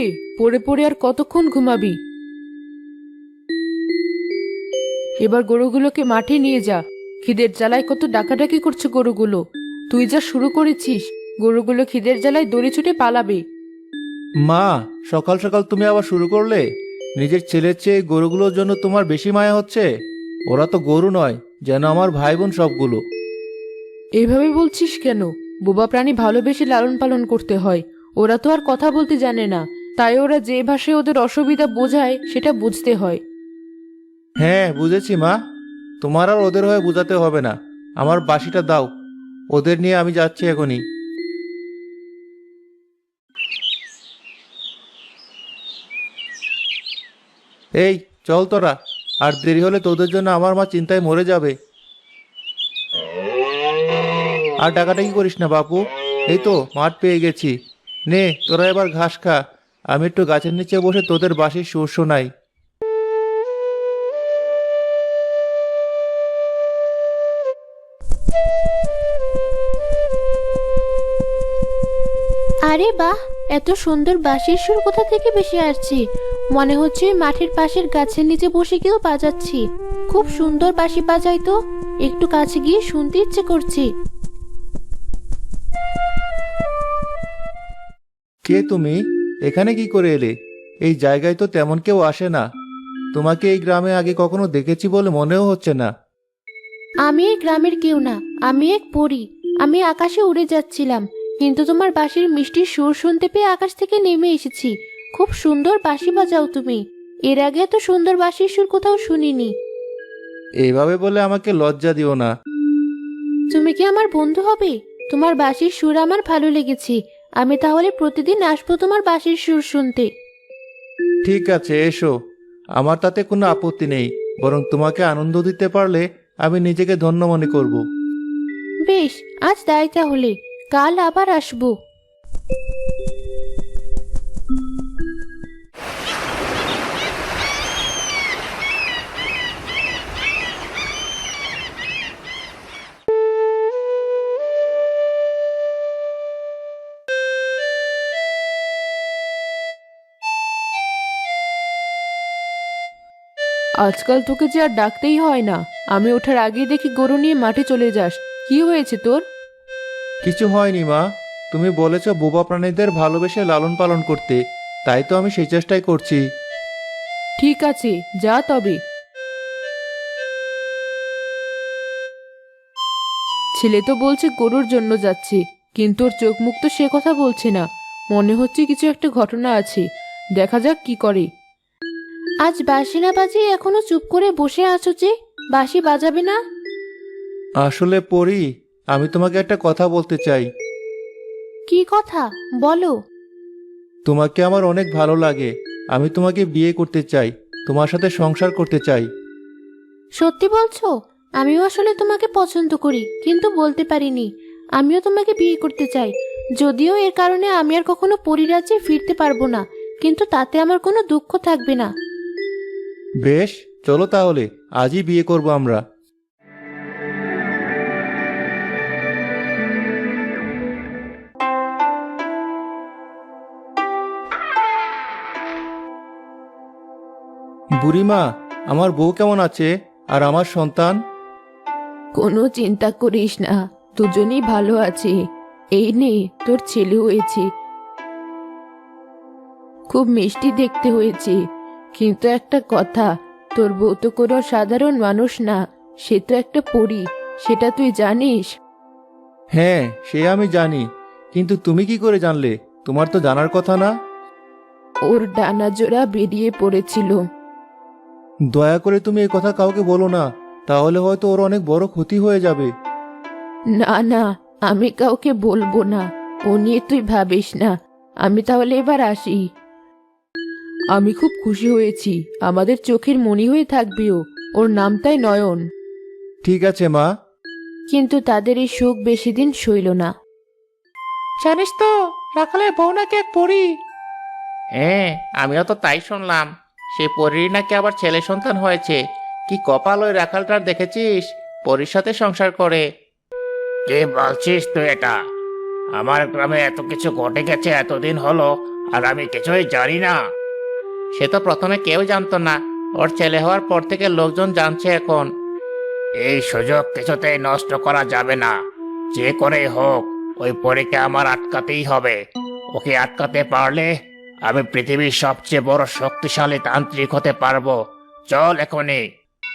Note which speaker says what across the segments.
Speaker 1: রে, পড়ে পড়ে আর কতক্ষণ ঘুমাবি? এবার গরুগুলোকে মাঠে নিয়ে যা। খিদের জ্বালায় কত ডাকাডাকি করছে গরুগুলো। তুই যা শুরু করেছিস, গরুগুলো খিদের জ্বালায় দড়ি ছুটে পালাবে।
Speaker 2: মা, সকাল সকাল তুমি আবার শুরু করলে? নিজের ছেলের চেয়ে গরুগুলোর জন্য তোমার বেশি মায়া হচ্ছে? ওরা তো গরু নয়, যেন আমার ভাই বোন সবগুলো।
Speaker 1: এইভাবে বলছিস কেন? বোবা প্রাণী ভালোবেসে লালন পালন করতে হয়। ওরা তো আর কথা বলতে জানে না, তাই ওরা যে ভাষায় ওদের অসুবিধা বোঝায় সেটা বুঝতে হয়।
Speaker 2: হ্যাঁ, বুঝেছি মা। তোমার আর ওদের হয়ে বোঝাতে হবে না। আমার বাঁশিটা দাও, ওদের নিয়ে আমি যাচ্ছি এখনই। এই, চল তোরা। আর দেরি হলে তোদের জন্য আমার মা চিন্তায় মরে যাবে। আর ডাকাডাকি করিস না বাপু। এই তো মাঠ পেয়ে গেছি। নে, তোরা এবার ঘাস খা। আমি একটু গাছের নিচে বসে তোদের বাঁশির সুর শোনাই।
Speaker 3: আরে বাহ, এত সুন্দর বাঁশির সুর কোথা থেকে ভেসে আসছে! মনে হচ্ছে মাঠের পাশের গাছের নিচে বসে কেউ বাজাচ্ছি। খুব সুন্দর বাঁশি বাজাই তো, একটু কাছে গিয়ে শুনতে ইচ্ছে করছে।
Speaker 2: কে তুমি? এখানে কি করে এলে? এই জায়গায় তো তেমন কেউ আসে না। তোমাকে এই গ্রামে আগে কখনো দেখেছি বলে মনেও হচ্ছে না।
Speaker 3: আমি এই গ্রামের কেউ না, আমি এক পরী। আমি আকাশে উড়ে যাচ্ছিলাম, কিন্তু তোমার বাঁশির মিষ্টি সুর শুনতে পেয়ে আকাশ থেকে নেমে এসেছি। খুব সুন্দর বাঁশি বাজাও তুমি। এর আগে এত সুন্দর বাঁশির সুর কোথাও শুনিনি।
Speaker 2: এইভাবে বলে আমাকে লজ্জা দিও না।
Speaker 3: তুমি কি আমার বন্ধু হবে? তোমার বাঁশির সুর আমার ভালো লেগেছে। আমি তাহলে প্রতিদিন আসবো তোমার বাঁশির সুর শুনতে।
Speaker 2: ঠিক আছে, এসো। আমার তাতে কোনো আপত্তি নেই। বরং তোমাকে আনন্দ দিতে পারলে আমি নিজেকে ধন্য মনে করব।
Speaker 3: বেশ, আজ তাই তাহলে। কাল আবার আসবো।
Speaker 1: আজকাল তোকে যে আর ডাকতেই হয় না। আমি ওঠার আগেই দেখি গরু নিয়ে মাঠে চলে যাস। কি হয়েছে তোর?
Speaker 2: কিছু হয়নি মা। তুমি বলেছ বোবা প্রাণীদের ভালোবেসে লালন পালন করতে, তাই তো আমি সেই চেষ্টাই করছি।
Speaker 1: ঠিক আছে, যা তবে। ছেলে তো বলছে গরুর জন্য যাচ্ছে, কিন্তু ওর চোখ মুখ তো সে কথা বলছে না। মনে হচ্ছে কিছু একটা ঘটনা আছে। দেখা যাক কি করে।
Speaker 3: আজ বাঁশি না বাজিয়ে এখনো চুপ করে বসে আছো যে? বাঁশি বাজাবে না?
Speaker 2: আসলে পরি, আমি তোমাকে একটা কথা বলতে চাই।
Speaker 3: কি কথা? বলো।
Speaker 2: তোমাকে আমার অনেক ভালো লাগে। আমি তোমাকে বিয়ে করতে চাই, তোমার সাথে সংসার করতে চাই।
Speaker 3: সত্যি বলছো? আমিও আসলে তোমাকে পছন্দ করি, কিন্তু বলতে পারিনি। আমিও তোমাকে বিয়ে করতে চাই। যদিও এর কারণে আমি আর কখনো পরিরাজ্যে ফিরতে পারবো না, কিন্তু তাতে আমার কোনো দুঃখ থাকবে না।
Speaker 2: বেশ, চলো তাহলে আজই বিয়ে করব আমরা। বুড়িমা, আমার বউ কেমন আছে? আর আমার সন্তান?
Speaker 1: কোনো চিন্তা করিস না, দুজনেই ভালো আছে। এই নে, তোর ছেলে হয়েছে। খুব মিষ্টি দেখতে হয়েছে। কিন্তু একটা কথা, তোর বউ তো কোনো সাধারণ মানুষ না, সে তো একটা পরী। সেটা তুই জানিস?
Speaker 2: হ্যাঁ, সে আমি জানি। কিন্তু তুমি কি করে জানলে? তোমার তো জানার কথা না।
Speaker 1: ওর ডানা জোড়া বেরিয়ে পড়েছিল।
Speaker 2: দয়া করে তুমি এই কথা কাউকে বলো না, তাহলে হয়তো ওর অনেক বড় ক্ষতি হয়ে যাবে।
Speaker 1: না না, আমি কাউকে বলবো না। ও নিয়ে তুই ভাবিস না। আমি তাহলে এবার আসি। আমি খুব খুশি হয়েছি। আমাদের চোখের মণি হয়ে থাকবে ও। ওর নামটাই নয়ন।
Speaker 2: ঠিক আছে মা।
Speaker 3: কিন্তু তাদের এই সুখ বেশি দিন সইল না।
Speaker 4: জানিস তো, রাখালের বউ নাকি এক পরী। হ্যাঁ, আমিও তো তাই শুনলাম। সেই পরীর নাকি আবার ছেলে সন্তান হয়েছে। কি কপাল ওই রাখালটার, দেখেছিস? পরীর সাথে সংসার করে। কে বলছিস তুই এটা? আমার গ্রামে এত কিছু ঘটে গেছে এতদিন হলো, আর আমি কিছুই জানি না? সে তো প্রথমে কেউ জানতো না, ওর ছেলে হওয়ার পর থেকে লোকজন জানছে এখন। এই সুযোগ কিছুতেই নষ্ট করা যাবে না। যে করেই হোক ওই পরীকে আমার আটকাতেই হবে। ওকে আটকাতে পারলে আমি পৃথিবীর সবচেয়ে বড় শক্তিশালী তান্ত্রিক হতে পারবো। চল এখনই।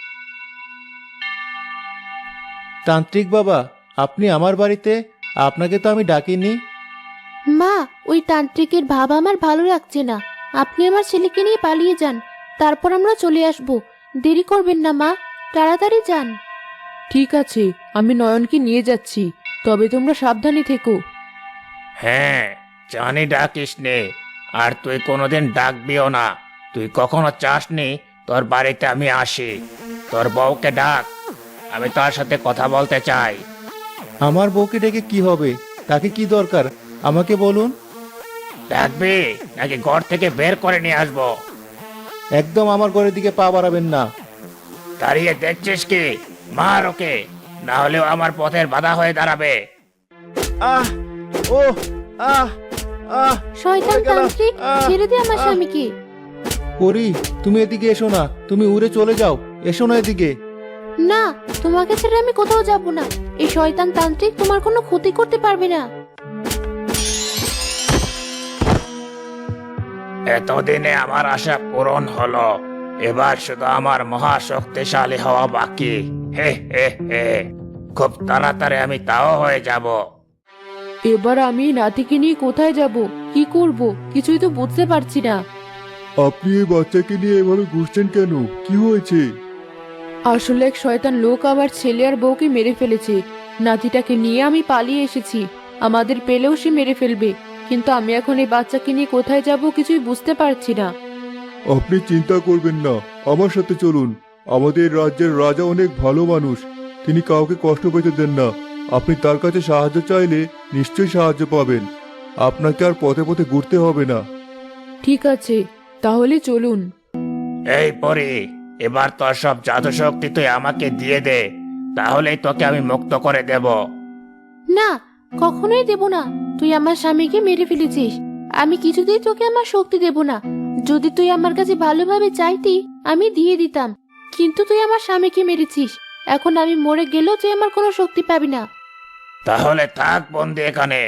Speaker 2: তান্ত্রিক বাবা, আপনি আমার বাড়িতে? আপনাকে তো আমি ডাকিনি।
Speaker 3: মা, ওই তান্ত্রিকের ভাব আমার ভালো লাগছে না। আপনি আমার ছেলেকে নিয়ে পালিয়ে যান, তারপর আমরা চলে আসব। দেরি করবেন না মা, তাড়াতাড়ি যান।
Speaker 1: ঠিক আছে, আমি নয়নকে নিয়ে যাচ্ছি, তবে তোমরা সাবধানে থেকো।
Speaker 4: হ্যাঁ, জানি ডাকিস নে, আর তুই কোনোদিন ডাকবিও না। তুই কখনো চাসনি তোর বাড়িতে আমি আসি। তোর বউকে ডাক, আমি তার সাথে কথা বলতে চাই।
Speaker 2: আমার বউকে ডেকে কি হবে? তাকে কি দরকার আমাকে বলুন।
Speaker 4: ডাকবি নাকি ঘর থেকে বের করে নিয়ে আসবো?
Speaker 2: একদম আমার ঘরের দিকে পা বাড়াবেন না।
Speaker 4: দাঁড়িয়ে দেখছিস কি? মার ওকে, না হলেও আমার পথের বাধা হয়ে দাঁড়াবে।
Speaker 2: আহ, ও, আহ, আহ।
Speaker 3: শয়তান
Speaker 2: পড়ে গেলাম।
Speaker 3: তান্ত্রিক, ছেড়ে দে আমার স্বামীকে।
Speaker 2: পরি, তুমি এদিকে এসো না, তুমি উড়ে চলে যাও। এসো না এদিকে।
Speaker 3: না, তোমাকে ছেড়ে আমি কোথাও যাব না। এই শয়তান তান্ত্রিক তোমার কোনো ক্ষতি করতে পারবে না।
Speaker 4: এতদিনে আমার আশা পূরণ হলো। এবার শুধু আমার মহাশক্তিশালী হওয়া বাকি। হে হে হে, খুব তাড়াতাড়ি আমি তাও হয়ে যাব।
Speaker 1: এবার আমি নাতিকে নিয়ে কোথায় যাব, কি করব, কিছুই তো বুঝতে পারছি না।
Speaker 2: আপনি এই বাচ্চাকে নিয়ে এভাবে ঘুরছেন কেন? কি হয়েছে?
Speaker 1: আসলে এক শয়তান লোক আমার ছেলে আর বউকে মেরে ফেলেছে। নাতিটাকে নিয়ে আমি পালিয়ে এসেছি। আমাদের পেলেও সে মেরে ফেলবে, কিন্তু আমি এখন এই বাচ্চাকে নিয়ে কোথায় যাব কিছুই বুঝতে পারছি না।
Speaker 5: আপনি চিন্তা করবেন না, আমার সাথে চলুন। আমাদের রাজ্যের রাজা অনেক ভালো মানুষ, তিনি কাউকে কষ্ট পেতে দেন না। আপনি তার কাছে সাহায্য চাইলে নিশ্চয়ই সাহায্য পাবেন। আপনাকে আর পথে পথে ঘুরতে হবে না।
Speaker 1: ঠিক আছে, তাহলে চলুন।
Speaker 4: এই পরি, এবার তোর সব জাদু শক্তি তুই আমাকে দিয়ে দে, তাহলেই তোকে আমি মুক্ত করে দেব।
Speaker 3: না, কখনোই দেব না। তুই আমার স্বামীকে মেরে ফেলেছিস, আমি কিছুতেই তোকে আমার শক্তি দেব না। যদি তুই আমার কাছে ভালোভাবে চাইতি আমি দিয়ে দিতাম, কিন্তু তুই আমার স্বামীকে মেরেছিস। এখন আমি মরে গেলেও তুই আমার কোনো শক্তি পাবি না।
Speaker 4: তাহলে থাক বন্দি এখানে।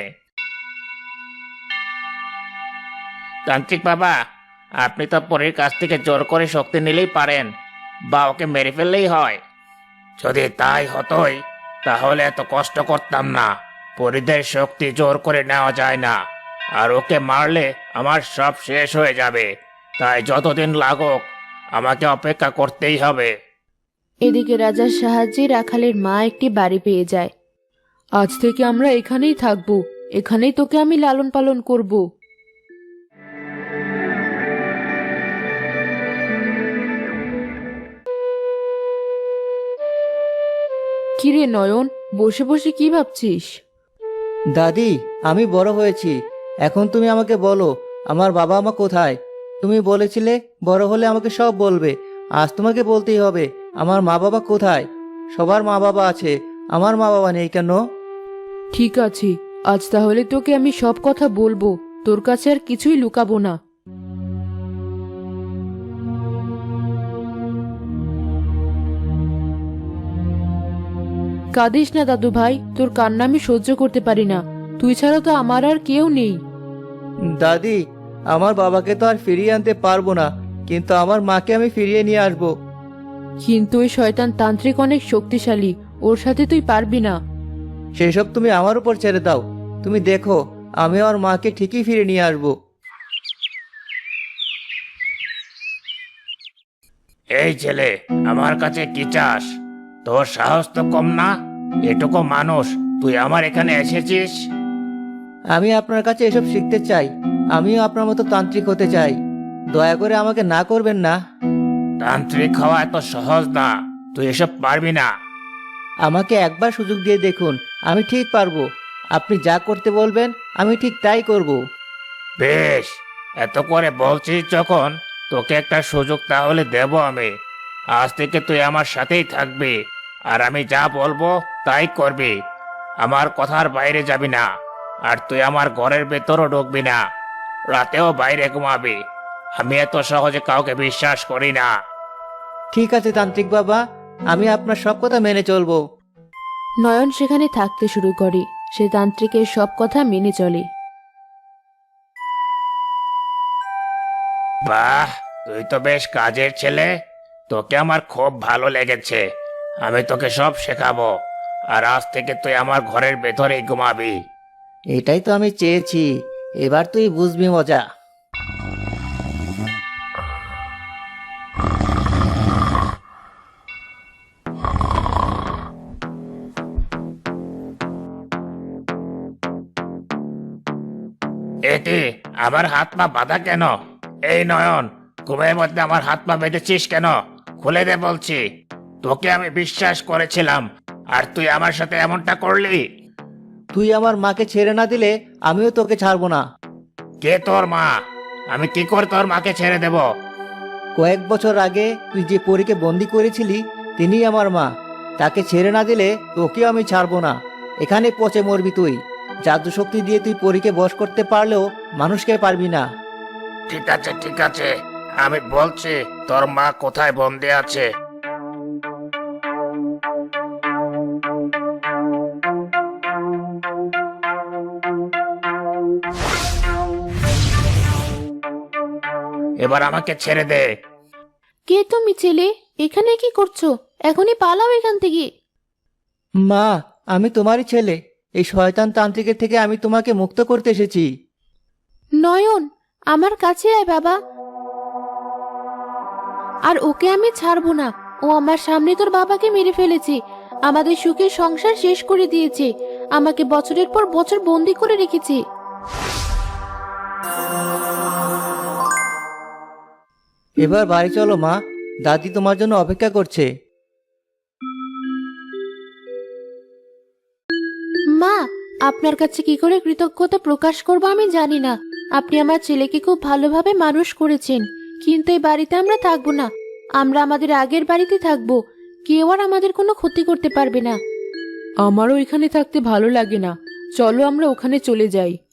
Speaker 4: তান্ত্রিক বাবা, আপনি তো পরীর কাছ থেকে জোর করে শক্তি নিলেই পারেন, বা ওকে মেরে ফেললেই হয়। যদি তাই হতোই তাহলে এত কষ্ট করতাম না। পরীদের শক্তি জোর করে নেওয়া যায় না, আর ওকে মারলে আমার সব শেষ হয়ে যাবে। তাই যতদিন লাগুক আমাকে অপেক্ষা করতেই হবে।
Speaker 3: এদিকে রাজার সাহায্যে রাখালের মা একটি বাড়ি পেয়ে যায়।
Speaker 1: আজ থেকে আমরা এখানেই থাকবো, এখানেই তোকে আমি লালন পালন করব। কিরে নয়ন, বসে বসে কি ভাবছিস?
Speaker 6: দাদি, আমি বড় হয়েছি। এখন তুমি আমাকে বলো, আমার বাবা মা কোথায়? তুমি বলেছিলে বড় হলে আমাকে সব বলবে। আজ তোমাকে বলতেই হবে, আমার মা বাবা কোথায়? সবার মা বাবা আছে, আমার মা বাবা নেই কেন?
Speaker 1: ঠিক আছে, আজ তাহলে তোকে আমি সব কথা বলবো, তোর কাছে আর কিছুই লুকাবো না। কাঁদিস না দাদু ভাই, তোর কান্না আমি সহ্য করতে পারি না। তুই ছাড়া তো আমার আর কেউ নেই।
Speaker 6: দাদি, আমার বাবাকে তো আর ফিরিয়ে আনতে পারবো না, কিন্তু আমার মাকে আমি ফিরিয়ে নিয়ে আসবো।
Speaker 1: কিন্তু ওই শয়তান তান্ত্রিক অনেক শক্তিশালী, ওর সাথে তুই পারবি না।
Speaker 6: সেসব তুমি আমার উপর ছেড়ে দাও। তুমি দেখো, আমি আমার মাকে ঠিকই ফিরে নিয়ে আসবো।
Speaker 4: এই ছেলে, আমার কাছে কি চাস? তোর সাহস তো কম না। এটুকু মানুষ তুই আমার এখানে এসেছিস?
Speaker 6: আমি আপনার কাছে এসব শিখতে চাই। আমিও আপনার মতো তান্ত্রিক হতে চাই। দয়া করে আমাকে না করবেন না।
Speaker 4: তান্ত্রিক হওয়া এত সহজ না, তুই এসব পারবি না।
Speaker 6: আমাকে একবার সুযোগ দিয়ে দেখুন, আমি ঠিক পারবো। আপনি যা করতে বলবেন আমি ঠিক তাই করব।
Speaker 4: বেশ, এত করে বলছিস যখন, তোকে একটা সুযোগ তাহলে দেব আমি। আজ থেকে তুই আমার সাথেই থাকবি, আর আমি যা বলবো তাই করবি। আমার কথার বাইরে যাবি না, আর তুই আমার ঘরের ভেতরও ঢুকবি না। রাতেও বাইরে ঘুমাবি। আমি এত সহজে কাউকে বিশ্বাস করি না।
Speaker 6: ঠিক আছে তান্ত্রিক বাবা, আমি আপনার সব কথা মেনে চলবো।
Speaker 1: নয়ন সেখানে থাকতে শুরু করে। সে তান্ত্রিকের সব কথা মেনে চলে।
Speaker 4: বাহ, তুই তো বেশ কাজের ছেলে। তোকে আমার খুব ভালো লেগেছে। আমি তোকে সব শেখাবো। আর আজ থেকে তুই আমার ঘরের ভেতরেই ঘুমাবি।
Speaker 6: এটাই তো আমি চেয়েছি, এবার তুই বুঝবি মজা।
Speaker 4: এটি আমার হাত পা বাঁধা কেন? এই নয়ন, ঘুমের মধ্যে আমার হাত পা বেঁধেছিস কেন? খুলে দে বলছি। তোকে আমি বিশ্বাস করেছিলাম, আর তুই আমার সাথে এমনটা করলি।
Speaker 6: তুই আমার মাকে ছেড়ে না দিলে আমিও তোকে ছাড়বো না।
Speaker 4: কে তোর মা? আমি কি করে তোর মাকে ছেড়ে দেব?
Speaker 6: কয়েক বছর আগে তুই যে পরীকে বন্দি করেছিলি তিনিই আমার মা। তাকে ছেড়ে না দিলে তোকেও আমি ছাড়বো না। এখানে পচে মরবি তুই। জাদু শক্তি দিয়ে তুই পরীকে বশ করতে পারলেও মানুষকে পারবি না।
Speaker 4: ঠিক আছে, ঠিক আছে, আমি বলছি তোর মা কোথায় বন্দি আছে। এবার আমাকে ছেড়ে দে।
Speaker 3: কে তুমি ছেলে? এখানে কি করছো? এখনই পালাও এখান থেকে।
Speaker 6: মা, আমি তোমারই ছেলে। এই শয়তান তান্ত্রিকের থেকে আমি তোমাকে মুক্ত করতে এসেছি।
Speaker 3: নয়ন, আমার কাছে আয় বাবা। আর ওকে আমি ছাড়বো না। ও আমার সামনে তোর বাবাকে মেরে ফেলেছে, আমাদের সুখের সংসার শেষ করে দিয়েছে, আমাকে বছরের পর বছর বন্দি করে রেখেছে।
Speaker 6: এবার বাড়ি চলো মা, দাদি তোমার জন্য অপেক্ষা করছে।
Speaker 3: মা, আপনার কাছে কি করে কৃতজ্ঞতা প্রকাশ করব আমি জানি না। আপনি আমার ছেলেকে খুব ভালোভাবে মানুষ করেছেন, কিন্তু এই বাড়িতে আমরা থাকবো না। আমরা আমাদের আগের বাড়িতে থাকবো। কেউ আর আমাদের কোনো ক্ষতি করতে পারবে না।
Speaker 1: আমারও এখানে থাকতে ভালো লাগে না। চলো আমরা ওখানে চলে যাই।